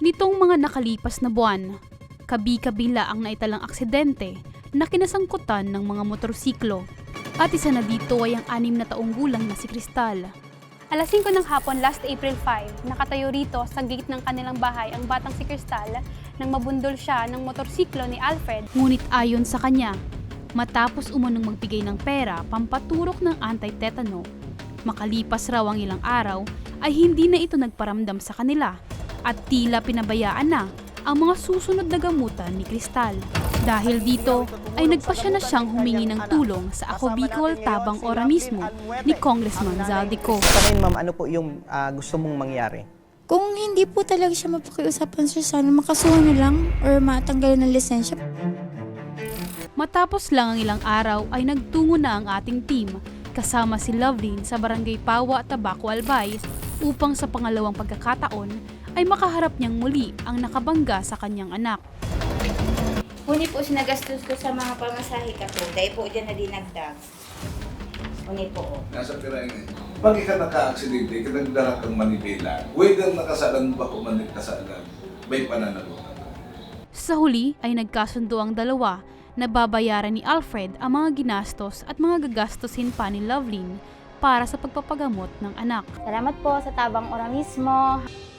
Nitong mga nakalipas na buwan, kabi-kabila ang naitalang aksidente na kinasangkutan ng mga motorsiklo. At isa na dito ay ang 6 na taong gulang na si Cristal. Alas 5 ng hapon, last April 5, nakatayo rito sa gate ng kanilang bahay ang batang si Cristal nang mabundol siya ng motorsiklo ni Alfred. Ngunit ayon sa kanya, matapos umunong magbigay ng pera pampaturok ng anti-tetano, makalipas raw ang ilang araw ay hindi na ito nagparamdam sa kanila at tila pinabayaan na ang mga susunod na gamutan ni Cristal. Dahil dito ay nagpasya na siyang humingi ng tulong sa Ako Bicol Tabang Ora mismo ni Congressman Zaldico. Sa ngayon ma'am, ano po yung gusto mong mangyari? Kung hindi po talaga siya mapakiusapan, sir, sana makasuhan na lang or matanggalan ng lisensya. Matapos lang ang ilang araw ay nagtungo na ang ating team kasama si Lovelyn sa Barangay Pawa, Tabaco, Albay upang sa pangalawang pagkakataon ay makaharap niyang muli ang nakabangga sa kanyang anak. Huni po sinagastos ko sa mga pamasahe ka po. Dahil po dyan na dinagdag. Huni po. Nasa Piray ngayon. Pag ikaw naka-aksidente, kinagdara kang Manibela, whether nakasalan ba o manikasalan, may pananagutan. Sa huli ay nagkasundo ang dalawa na babayaran ni Alfred ang mga ginastos at mga gagastusin pa ni Lovelyn para sa pagpapagamot ng anak. Salamat po sa Tabang Ora mismo.